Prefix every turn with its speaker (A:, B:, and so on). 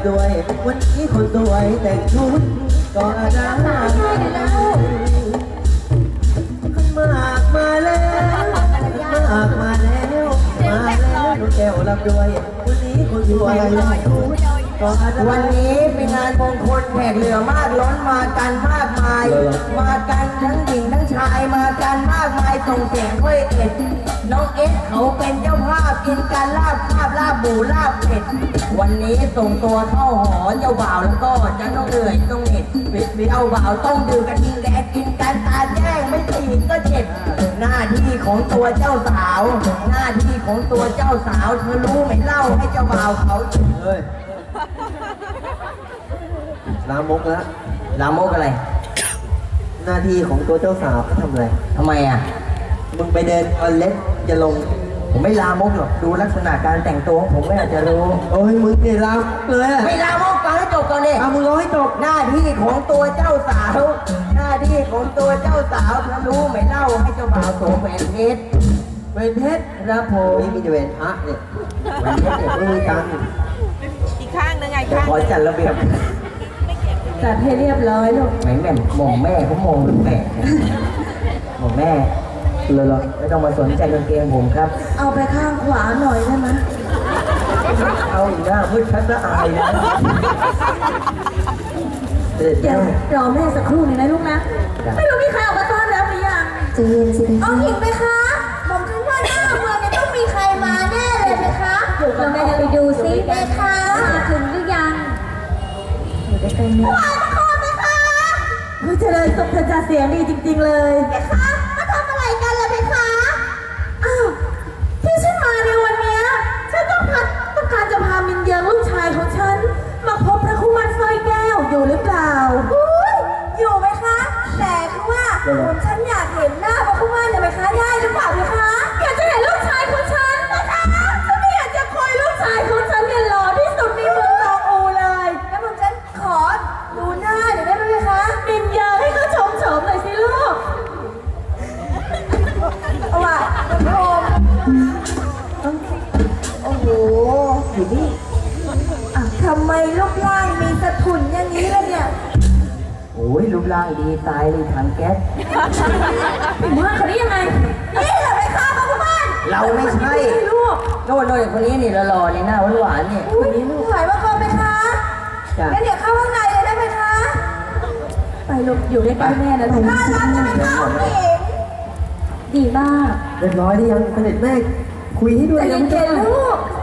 A: ด้วยวันนี้คนสวยแต่งชุดก็ได้ขึ้นมากมาแล้วมากมาแล้วลูกแก้วรับด้วยวันนี้คนสวยแต่งชุด
B: วันนี้เป็นงานมงคลแขกเหลือมากล้นมากันมากมายมากันทั้งหญิงทั้งชายมากันมากมายส่งเสียงด้วยเอ็ดน้องเอ็ดเขาเป็นเจ้าภาพกินการลาบลาบหมูลาบเผ็ดวันนี้ส่งตัวเข้าหอเจ้าบ่าวแล้วก็จะต้องเหนื่อยต้องเอ็ดเจ้าบ่าวต้องดื่มกระทิงแดงกินการตาแจ้งไม่ตีก็เจ็บหน้าที่ของตัวเจ้าสาวหน้าที่ของตัวเจ้าสาวเธอรู้ไหมเล่าให้เจ้าบ่าวเขา
A: ลามกแล้ว
B: ลามกอะไร
A: หน้าที่ของตัวเจ้าสาวทำอะไร
B: ทำไมอ่ะ
A: มึงไปเดินออนเล็ตจะลง
B: ผมไม่ลามกหรอกดูลักษณะการแต่งตัวของผมไม่อาจจะรู้
A: โอ้ยมึงเนี่ยลามเลย
B: ไม่ลามกฟังให้จบก่อนดิ
A: มึงร้อยจบ
B: หน้าที่ของตัวเจ้าสาวหน้าที่ของตัวเจ้าสาวเธอรู้ไหมเล่าให้เจ้าบ่าวสวมแหวนเพชร
A: แหวนเพชร
B: ครับผม
A: นี่มีแต่แหวนพระเนี่ยแหวนเพชรเนี่ยไม่มีตังค์
C: อีกข้างนึงไงข้าง
B: ขอจัดระเบียบ
C: จัดให้เรียบร้อยลูก
B: แม่มองแม่เขามองดูแปลกมองแม่เลยไม่ต้องมาสนใจกางเกงผมครับ
C: เอาไปข้างขวาหน่อยได้ไหม
B: เอาอีกหน้ามืดชัดละอายนะ
C: เดี๋ยวรอแม่สักครู่นึงนะลูกนะไม่รู้มีใครออกมาต้อนรับหรือยัง
D: จะเย็นสิ
C: เอาหญิงไหมคะผมคิดว่าหน้าเมืองเนี่ยต้องมีใครมาแน่เลยไหมคะเราแม่จะไปดูซิไหมคะมาถึงหรือยัง
D: อยู่ด้วยกันเนี่ย
C: มาทุกคนไหมคะเจริญสุขจะเสียงดีจริงๆเลยไหมคะมาทำอะไรกันล่ะไหมคะอ้าวที่ฉันมาในวันนี้ฉันต้องการจะพามินเยิงลูกชายของฉันมาพบพระคุมันสร้อยแก้วอยู่หรือเปล่าอยู่ไหมคะแต่คือว่าฉันอยากเห็นหน้าพระคุมันไหมคะได้หรือเปล่าไหมคะอยากจะเห็นลูกชายของฉันนะคะฉันไม่อยากจะคอยลูกชายของฉันเนี่ยหล่อที่สุดในเมืองตองอูเลยแล้วผมฉันขอดูหน้าเดี๋ยวได้ไหมคะมินเยิงให้เขาชมหน่อยสิลูกเอาว่ะคุณผู้ชมโอ้โหอยู่นี่ทำไมรูปร่างมีสะทุนอย่างนี้ล่ะเนี่ย
B: โอ้ยรูปร่างดีตายเลยถังแก๊ส
C: ว่าเขาได้ยังไงนี่เหรอไปฆ่าเขาที่บ้าน
B: เราไม่ใช่
C: ลูก
B: โน่นคนนี้นี่หล่อๆนี่หน้าหวานๆนี่
C: คนนี้ลูกถ่ายว่าเขาไปคะแล้วเดี๋ยวเข้าข้างในเลยได้ไหมคะไปลูกอยู่ใกล้ๆแม่นะลูกน่ารักจะไม่เข้าไม่เห็นดีมาก
A: เรียบร้อยได้ยังเสด็จแม่คุยให้ด้วย
C: ใจเย็นๆลูก